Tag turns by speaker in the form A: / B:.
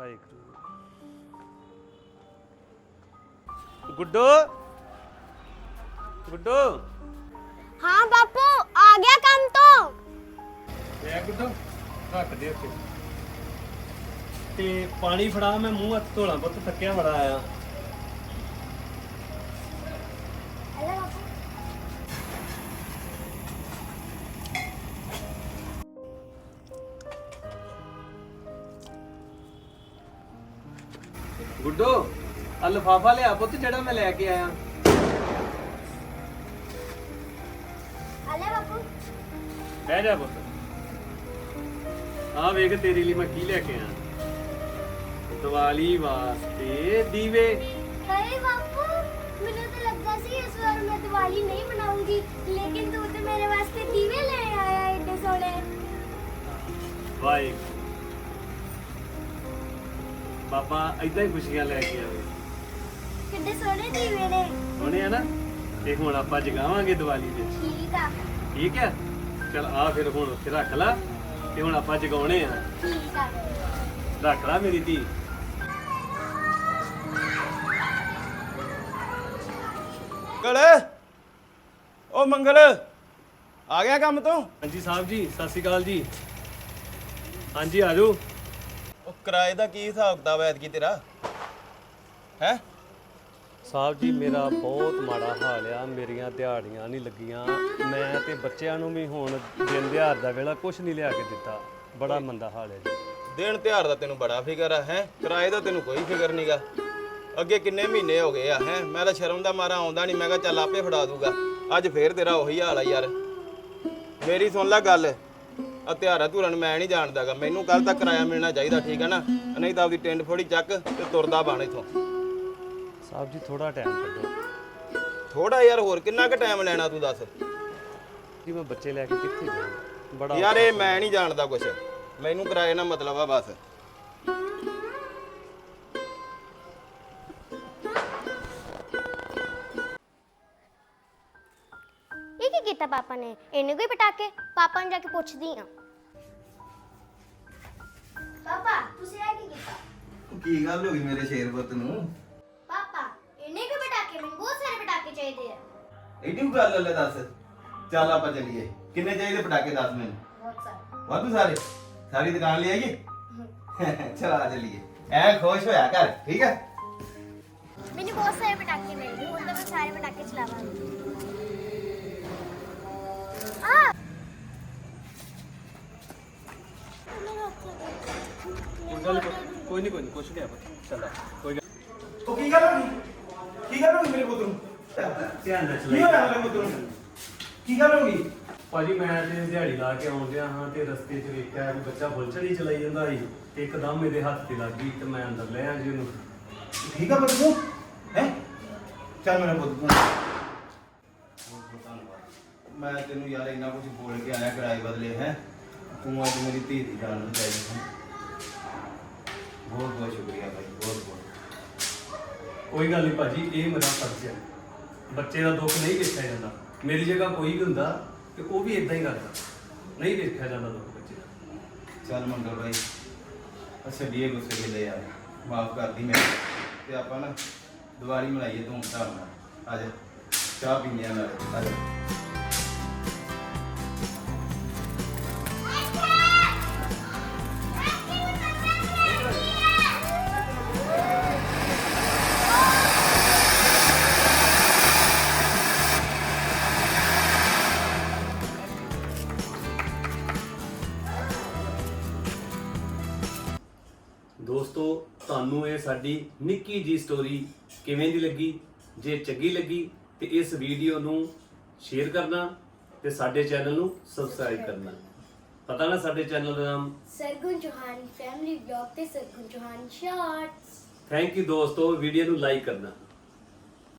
A: वाहिगुरु गुड्डो गुड्डो
B: हाँ बापू आ गया काम तो
A: गुड्डो रख दे उत्ते ते पानी फड़ा मैं मूंह हथ धोला पुत थक्या बड़ा आया गुड्डो आ लिफाफा लिया पुत जेड़ा मैं लेके आया बह जा पुत आ वेख तेरे लिए मैं की लेके आया दिवाली वास्ते दीवे
B: अरे बापू मुझे तो लगता सी इस बार मैं दिवाली नहीं मनाऊंगी लेकिन तू तो मेरे वास्ते दीवे ले आया इतने सोने
A: वाहिगुरू बाबा इदां ही खुशियां लेके आवे
B: कितने सोने दीवे ने
A: सोने है ना ते हुण आपां जगावांगे दिवाली दे ठीक है चल आ फिर हुण उत्थे रख ला ते हुण आपां जगाउणे आ
B: ठीक है
A: रख ला मेरी धी
C: मंगल ओ मंगल आ गया काम तो
A: हाँ जी साहब जी सत श्री अकाल जी हाँ जी आ जाओ
C: ਉਹ ਕਿਰਾਏ ਦਾ ਕੀ ਹਿਸਾਬ ਕਿਤਾਬ ਐਤਕੀ ਤੇਰਾ ਹੈ
A: ਸਾਹਿਬ ਜੀ ਮੇਰਾ ਬਹੁਤ ਮਾੜਾ ਹਾਲ ਆ ਮੇਰੀਆਂ ਦਿਹਾੜੀਆਂ ਨਹੀਂ ਲੱਗੀਆਂ ਮੈਂ ਤੇ ਬੱਚਿਆਂ ਨੂੰ ਵੀ ਹੁਣ ਦਿਨ ਦਿਹਾੜ ਦਾ ਵੇਲਾ ਕੁਝ ਨਹੀਂ ਲਿਆ ਕੇ ਦਿੱਤਾ ਬੜਾ ਮੰਦਾ ਹਾਲ ਹੈ ਜੀ
C: ਦਿਨ ਤਿਉਹਾਰ ਦਾ ਤੈਨੂੰ ਬੜਾ ਫਿਕਰ ਆ ਹੈ ਕਿਰਾਏ ਦਾ ਤੈਨੂੰ ਕੋਈ ਫਿਕਰ ਨਹੀਂਗਾ ਅੱਗੇ ਕਿੰਨੇ ਮਹੀਨੇ ਹੋ ਗਏ ਆ ਹੈ ਮੈਂ ਤਾਂ ਸ਼ਰਮ ਦਾ ਮਾਰਾ ਆਉਂਦਾ ਨਹੀਂ ਮੈਂ ਕਿਹਾ ਚੱਲ ਆਪੇ ਫੜਾ ਦੂਗਾ ਅੱਜ ਫੇਰ ਤੇਰਾ ਉਹੀ ਹਾਲ ਆ ਯਾਰ ਮੇਰੀ ਸੁਣ ਲੈ ਗੱਲ ਆ ਤਿਉਹਾਰਾਂ ਧੂਰਾਂ ਨੂੰ ਮੈਂ ਨਹੀਂ ਜਾਣਦਾਗਾ ਮੈਨੂੰ ਕੱਲ ਤੱਕ ਕਿਰਾਇਆ ਮਿਲਣਾ ਚਾਹੀਦਾ ਠੀਕ ਹੈ ਨਾ ਨਹੀਂ ਤਾਂ ਆਪਦੀ ਟਿੰਡ ਫੋੜੀ ਚੱਕ ਤੇ ਤੁਰਦਾ ਬਣ ਇੱਥੋਂ
A: ਸਾਹਿਬ ਜੀ ਥੋੜਾ ਟਾਈਮ ਕੱਢੋ
C: ਥੋੜਾ ਯਾਰ ਹੋਰ ਕਿੰਨਾ ਕੁ ਟਾਈਮ ਲੈਣਾ ਤੂੰ ਦੱਸ
A: ਜੀ ਮੈਂ ਬੱਚੇ ਲੈ ਕੇ ਕਿੱਥੇ ਜਾਵਾਂ ਬੜਾ
C: ਯਾਰ ਇਹ ਮੈਂ ਨਹੀਂ ਜਾਣਦਾ ਕੁਛ ਮੈਨੂੰ ਕਿਰਾਏ ਨਾਲ ਮਤਲਬ ਆ ਬਸ
B: ये क्या किया पापा ने इन्हें कोई पटाके पापा ने जाके पूछती हां पापा तुसे आ की कीता
C: ਕੀ ਗੱਲ ਹੋ ਗਈ ਮੇਰੇ ਸ਼ੇਰਪੁੱਤ ਨੂੰ
B: पापा इन्हें कोई पटाके मैंने बहुत सारे पटाके चाहिए हैं
C: ਐਡੀ ਗੱਲ ਲੈ ਦੱਸ ਚੱਲ ਆਪਾਂ ਚੱਲੀਏ ਕਿੰਨੇ ਚਾਹੀਦੇ ਪਟਾਕੇ ਦੱਸ ਮੈਨੂੰ
B: बहुत सारे
C: ਵਾਧੂ ਸਾਰੇ ਸਾਰੀ ਦੁਕਾਨ ਲੈ ਆਈਏ ਚਲ ਆ ਚੱਲੀਏ ਐ ਖੁਸ਼ ਹੋਇਆ ਕਰ ਠੀਕ ਹੈ
B: मैंने बहुत सारे पटाके मिल गए मतलब मैं सारे पटाके चलाऊंगी
A: कोई नहीं कुछ नहीं चल कोई
C: ਤੂੰ ਕੀ ਗੱਲ ਹੋ ਗਈ ਮੇਰੇ ਪੁੱਤ ਨੂੰ
A: ਧਿਆਨ ਨਾਲ
C: ਕੀ ਹੋਇਆ ਮੇਰੇ ਪੁੱਤ ਨੂੰ ਕੀ ਗੱਲ ਹੋ ਗਈ
A: ਭਾਜੀ ਮੈਂ ਤੇ ਦਿਹਾੜੀ ਲਾ ਕੇ ਆਉਂਦਿਆ ਹਾਂ ਤੇ ਰਸਤੇ 'ਚ ਵੇਖਿਆ ਕਿ ਬੱਚਾ ਬੁਲਚੜੀ ਚਲਾਈ ਜਾਂਦਾ ਸੀ ਤੇ ਇੱਕਦਮ ਮੇਰੇ ਹੱਥ ਤੇ ਲੱਗ ਗਈ ਤੇ ਮੈਂ ਅੰਦਰ ਲੈ ਆ ਜੀ ਉਹਨੂੰ
C: ਠੀਕ ਆ ਪੁੱਤ ਤੂੰ ਹੈ ਚੱਲ ਮੇਰਾ ਪੁੱਤ ਤੂੰ ਮੈਂ ਤੈਨੂੰ ਯਾਰ ਇੰਨਾ ਕੁਝ ਬੋਲ ਕੇ ਆਇਆ ਕਿਰਾਏ ਬਦਲੇ ਹੈ ਤੂੰ ਅੱਜ ਮੇਰੀ ਧੀ ਦੀ ਜਾਨ ਬਚਾਈ ਹੈ ਬਹੁਤ ਬਹੁਤ ਸ਼ੁਕਰੀਆ ਭਾਈ ਬਹੁਤ ਬਹੁਤ
A: ਕੋਈ ਗੱਲ ਨਹੀਂ ਭਾਜੀ ਇਹ ਮੇਰਾ ਫਰਜ਼ ਹੈ ਬੱਚੇ ਦਾ ਦੁੱਖ ਨਹੀਂ ਵੇਖਿਆ ਜਾਂਦਾ ਮੇਰੀ ਜਗ੍ਹਾ ਕੋਈ ਵੀ ਹੁੰਦਾ ਤੇ ਉਹ ਵੀ ਇਦਾਂ ਹੀ ਕਰਦਾ ਨਹੀਂ ਵੇਖਿਆ ਜਾਂਦਾ ਦੁੱਖ ਬੱਚੇ ਦਾ
C: ਚੱਲ ਮੰਗਲ ਭਾਈ ਅੱਛਾ ਡੀਏ ਗੁੱਸੇ ਗਿਲੇ ਯਾਰ ਮਾਫ ਕਰਦੀ ਮੈਂ ਤੇ ਆਪਾਂ ਨਾ ਦੀਵਾਲੀ ਮਨਾਈਏ ਧੂਮ ਧਾਮ ਨਾਲ ਆ ਜਾ ਚਾਹ ਪੀਂਦੇ ਆ ਨਾਲੇ ਆ ਜਾ
A: ਦੋਸਤੋ ਤੁਹਾਨੂੰ ਇਹ ਸਾਡੀ ਨਿੱਕੀ ਜੀ ਸਟੋਰੀ ਕਿਵੇਂ ਦੀ ਲੱਗੀ ਜੇ ਚੰਗੀ ਲੱਗੀ ਤੇ ਇਸ ਵੀਡੀਓ ਨੂੰ ਸ਼ੇਅਰ ਕਰਨਾ ਤੇ ਸਾਡੇ ਚੈਨਲ ਨੂੰ ਸਬਸਕ੍ਰਾਈਬ ਕਰਨਾ ਪਤਾ ਨਾ ਸਾਡੇ ਚੈਨਲ ਦਾ ਨਾਮ
B: सरगुन चौहान फैमिली ब्लॉग ते Sargun Chauhan shorts
A: thank you ਦੋਸਤੋ ਵੀਡੀਓ ਨੂੰ ਲਾਈਕ ਕਰਨਾ